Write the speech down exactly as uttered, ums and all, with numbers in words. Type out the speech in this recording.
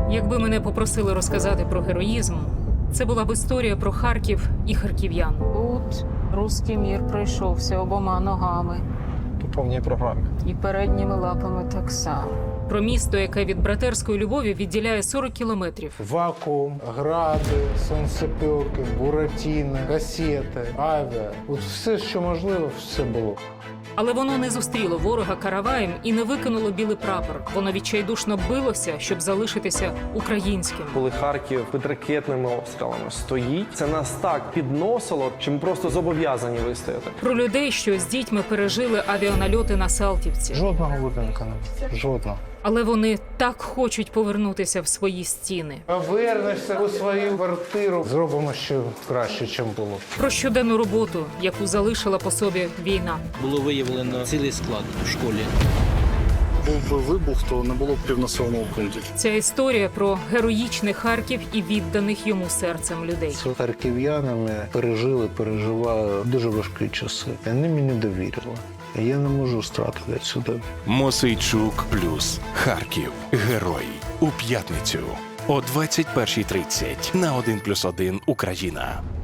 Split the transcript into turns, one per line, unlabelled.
Якби мене попросили розказати про героїзм, це була б історія про Харків і харків'ян.
Тут руський мір пройшовся обома ногами.
По повній програмі.
І передніми лапами так само.
Про місто, яке від братерської любові відділяє сорок кілометрів.
Вакуум, гради, сонцепілки, буратіни, касети, авіа. От все, що можливо, все було.
Але воно не зустріло ворога караваєм і не викинуло білий прапор. Воно відчайдушно билося, щоб залишитися українським.
Коли Харків під ракетними обстрілами стоїть, це нас так підносило, що ми просто зобов'язані вистояти.
Про людей, що з дітьми пережили авіанальоти на Салтівці.
Жодного будинку не було. Жодного.
Але вони так хочуть повернутися в свої стіни.
Повернешся у свою квартиру. Зробимо ще краще, ніж було.
Про щоденну роботу, яку залишила по собі війна.
Було виявлено цілий склад у школі.
Був би вибух, то не було б півнаселеного пункту.
Ця історія про героїчний Харків і відданих йому серцем людей.
З харків'янами пережили, переживали дуже важкі часи. Вони мені довірили. Я не можу стратити сюди.
Мосейчук плюс Харків. Герой. У п'ятницю о двадцять першій тридцять на один плюс один Україна.